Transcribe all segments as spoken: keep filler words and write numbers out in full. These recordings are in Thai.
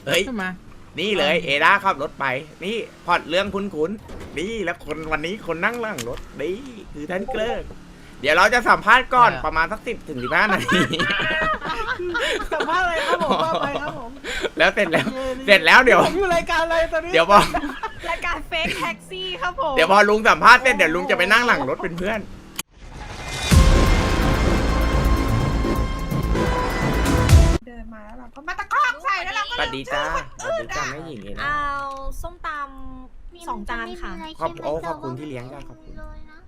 เฮ้ยขึ้นมานี่เลยเอด้าขับรถไปนี่พอดเรื่องคุ้นๆนี่แล้วคนวันนี้คนนั่งหล่างรถนี่คือท่านเกลิกเดี๋ยวเราจะสัมภาษณ์ก่อนประมาณสักสิบถึงสิบห้านาทีสัมภาษณ์อะไรครับผมว่าไปครับผมแล้วเสร็จแล้วเสร็จแล้วเดี๋ยวผมอยู่รายการอะไรตอนนี้เดี๋ยวพอรายการเฟกแท็กซี่ครับผมเดี๋ยวพอลุงสัมภาษณ์เสร็จเดี๋ยวลุงจะไปนั่งหลังรถเป็นเพื่อนเดินมาแล้วเราก็มาตะคอกใส่แล้วเราก็สวัสดีจ้าสวัสดีจ้าแม่หญิงเองนะเอาส้มตำสองจานค่ะขอบโอ้ขอบคุณที่เลี้ยงจ้าขอบคุณ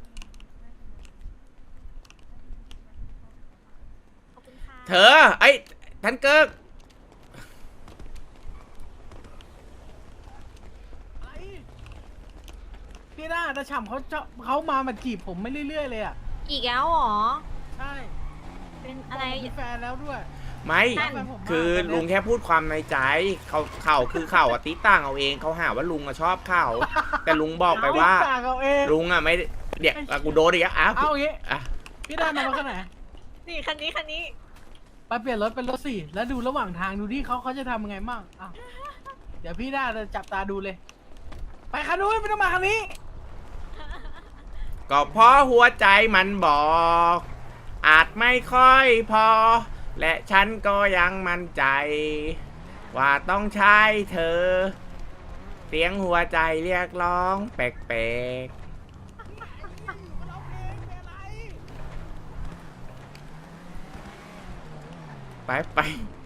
ขอบคุณค่ะเธอไอ้ท่านเกิกพี่ด้าตาฉ่ำเขาจะเขามามาจีบผมไม่เรื่อยๆเลยอ่ะอีกแล้วเหรอใช่เป็นอะไรผมมีแฟนแล้วด้วยไม่นั่นคือลุงแค่พูดความในใจเขาเข่าคือเข่าอะติต่างเอาเองเขาหาว่าลุงอะชอบเข่าแต่ลุงบอกไปว่าต่างเอาเองลุงอะไม่เดี๋ยวอ่ะกูโดนอีกแล้วอ้าวเอาอย่างงี้อ่ะพี่ด้านำรถคันไหนนี่คันนี้คันนี้ไปเปลี่ยนรถเป็นรถสี่แล้วดูระหว่างทางดูที่เขาเขาจะทำยังไงบ้างอ้าวเดี๋ยวพี่ด้าจะจับตาดูเลย ไปคันนู้นไม่ต้องมาคันนี้ก็เพราะหัวใจมันบอก อาจไม่ค่อยพอ และฉันก็ยังมั่นใจ ว่าต้องใช้เธอ เสียงหัวใจเรียกร้องแปลกๆไปไป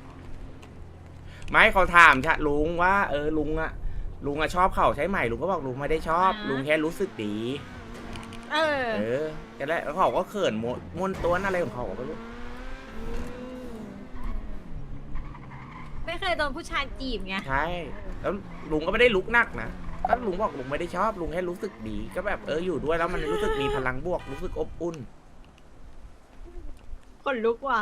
ไม่เขาถามชะลุงว่า เออลุงอะลุงอะชอบเขาใช่ไหมลุงก็บอกลุงไม่ได้ชอบ ลุงแค่รู้สึกดีเออเออแต่แล้วเขาก็เขินมวนมวนตัวอะไรของเขาไม่รู้ไม่เคยโดนผู้ชายจีบไงใช่ แล้วลุงก็ไม่ได้ลุกนักนะก็ลุงบอกลุงไม่ได้ชอบ ลุงแค่รู้สึกดี ก็แบบเอออยู่ด้วยแล้วมันรู้สึกมีพลังบวก รู้สึกอบอุ่นคนลุกว่ะ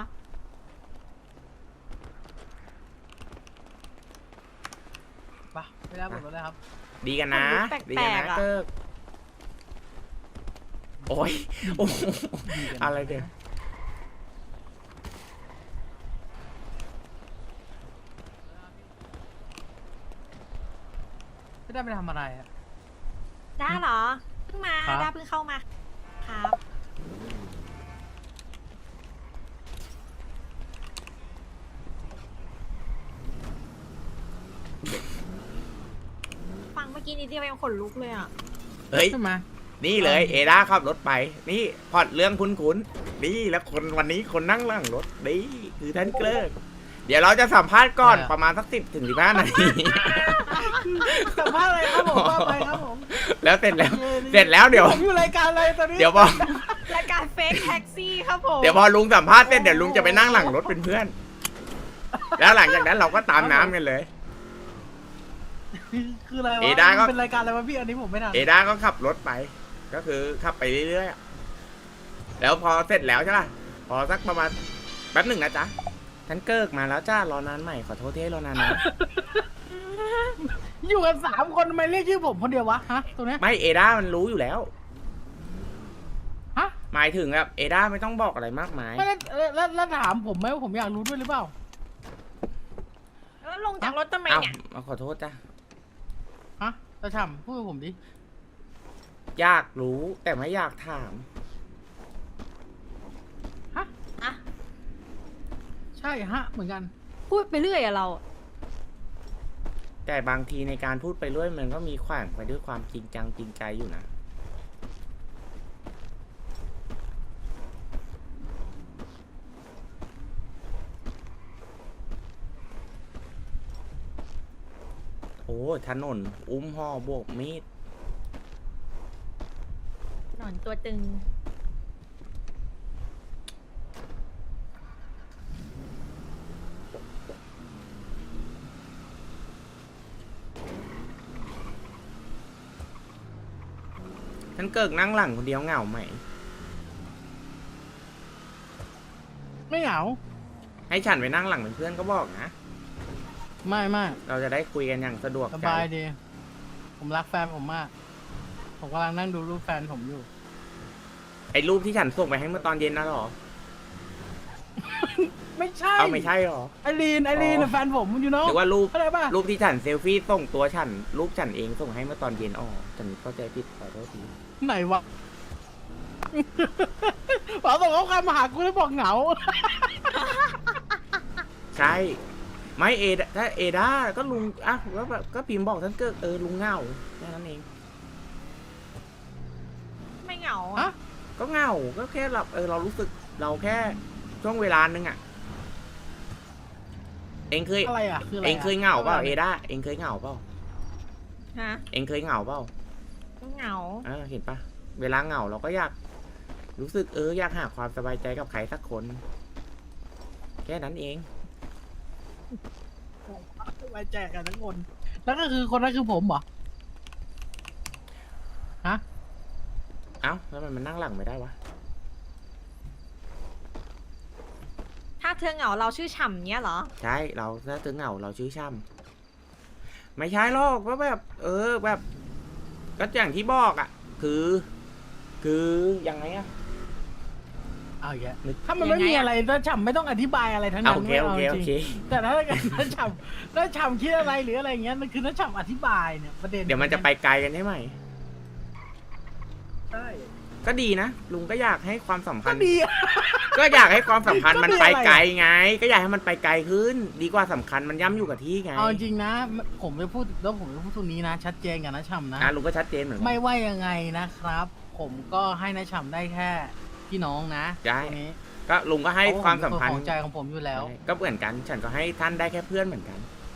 ไปไม่ได้หมดรถเลยครับดีกันนะแปลกๆดีกันนะอะเกิกโอ้ยโอ้โหดีกันอะไรเดี๋ยวพี่ด้าไปทำอะไรอ่ะด้าเหรอ เพิ่งมาครับด้าเพิ่งเข้ามา ครับ ฟังเมื่อกี้นี้เดียวยังขนลุกเลยอ่ะเฮ้ยขึ้นมานี่เลยเอด้าขับรถไป นี่พอดเรื่องคุ้นๆนี่แล้วคนวันนี้คนนั่งหลังรถนี่คือท่านเกลิกเดี๋ยวเราจะสัมภาษณ์ก่อนประมาณสักสิบถึงสิบห้านาทีสัมภาษณ์อะไรครับผมว่าไปครับผมแล้วเสร็จแล้ว เสร็จแล้วเดี๋ยวผมอยู่รายการอะไรตอนนี้เดี๋ยวพอรายการเฟกแท็กซี่ครับผมเดี๋ยวพอลุงสัมภาษณ์เสร็จเดี๋ยวลุงจะไปนั่งหลังรถเป็นเพื่อน แล้วหลังจากนั้นเราก็ตามน้ำกันเลยคืออะไรวะเอด้าก็เป็นรายการอะไรวะพี่อันนี้ผมไม่ทันเอด้าก็ขับรถไป ก็คือขับไปเรื่อยๆอะแล้วพอเสร็จแล้วใช่ป่ะพอสักประมาณแป๊บหนึ่งนะจ๊ะฉันเกิกมาแล้วจ้ารอนานใหม่ขอโทษที่ให้รอนานนะอยู่กันสามคนทำไมเรียกชื่อผมคนเดียววะฮะตรงเนี้ยไม่เอด้ามันรู้อยู่แล้วฮะหมายถึงแบบเอด้าไม่ต้องบอกอะไรมากมายไม่แล้วแล้วแล้วแล้วถามผมไหมว่าผมอยากรู้ด้วยหรือเปล่าแล้วลงจากรถทำไมเอ้าเนี่ยมาขอโทษจ้ะฮะตาฉ่ำพูดกับผมดิอยากรู้แต่ไม่อยากถามฮะอ่ะใช่ฮะเหมือนกันพูดไปเรื่อยอะเราแต่บางทีในการพูดไปเรื่อยมันก็มีขวางไปด้วยความจริงจังจริงใจอยู่นะโอ้ถนนอุ้มห่อโบกมีดหนอนตัวตึงฉันเกิกนั่งหลังคนเดียวเหงาไหมไม่เหงาให้ฉันไปนั่งหลังเป็นเพื่อนก็บอกนะไม่ไม่เราจะได้คุยกันอย่างสะดวกสใจบายดี ผมรักแฟนผมมาก ผมกำลังนั่งดูรูปแฟนผมอยู่ไอ้รูปที่ฉันส่งไปให้เมื่อตอนเย็นนะหรอไม่ใช่เอาไม่ใช่หรอไอรีนไอรีนอ๋อแฟนผมอยู่เนาะหรือว่ารูปอะไรป่ะรูปที่ฉันเซลฟี่ส่งตัวฉันรูปฉันเองส่งให้เมื่อตอนเย็นอ๋อฉันเข้าใจผิดขอโทษทีไหนวะ บอกส่งข้อความมาหากูแล้วบอกเหงาใช่ไม่เอดถ้าเอด้าก็ลุงอ่ะแล้วแบบก็พิมพ์บอกท่านเกิดเออลุงเหงาแค่นั้นเองไม่เหงาฮะก็เหงาก็แค่เราเออเรารู้สึกเราแค่ช่วงเวลานึงอ่ะเองเคยอะไรอ่ะคืออะไรเองเคยเหงาเปล่าเอด้าเองเคยเหงาเปล่าฮะเองเคยเหงาเปล่าเหงาอ่าเห็นปะเวลาเหงาเราก็อยากรู้สึกเอออยากหาความสบายใจกับใครสักคน แค่นั้นเองไว้แจกกันทั้งคน แล้วก็คือคนนั้นคือผมเหรอ ฮะเอ้าแล้วมันมันนั่งหลังไม่ได้วะถ้าเธอเหงาเราชื่อฉ่ำเนี้ยเหรอใช่เราถ้าถึงเหงาเราชื่อช่ำไม่ใช่หรอกก็แบบ เออแบบ ก็อย่างที่บอกอ่ะ คือ คือยังไงอ่ะเอาอย่างเงี้ยนึกถ้ามันไม่ยังไงมีอะอะไรถ้าฉ่ำไม่ต้องอธิบายอะไรทั้งอ่ะนั้นโอเคโอเคไม่าโอจริงเคแต่ถ้าเกิดถ้าฉ่ำถ้าฉ่ำคิดอะไรหรืออะไรอย่างเงี้ยมันคือถ้าฉ่ำอธิบายเนี่ยประเด็นเดี๋ยวมันจะไปไกลกันใช่ไหมใช่ก็ดีนะลุงก็อยากให้ความสัมพัก็นธ์ดีอะก็อยากให้ความสัมพันธ์ก็มันดีไปอะไรไกลไง ก็อยากให้มันไปไกลขึ้น ดีกว่าสำคัญมันย่ำอยู่กับที่ไงเอาจริงๆนะ ผมจะพูดแล้วผมจะพูดตรงนี้นะ ชัดเจนกับนะฉ่ำนะอ่ะลุงก็ชัดเจนเหมือนกัไม่นว่ายังไงนะครับ ผมก็ให้นะฉ่ำได้แค่พี่น้องนะใช่ตรงนี้ก็ลุงก็ให้ความสัมพันธ์เพระผเป็นคนของใจของผมอยู่แล้วใช่ก็เหมือนกัน ฉันก็ให้ท่านได้แค่เพื่อนเหมือนกัน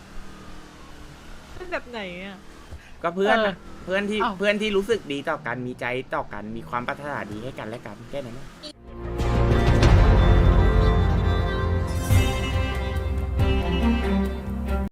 เป็นแบบไหนอ่ะก็เพื่อนเออนะเพื่อนที่อ้าวเพื่อนที่รู้สึกดีต่อกันมีใจต่อกันมีความปรารถนาดีให้กันและกันแค่นั้นนะ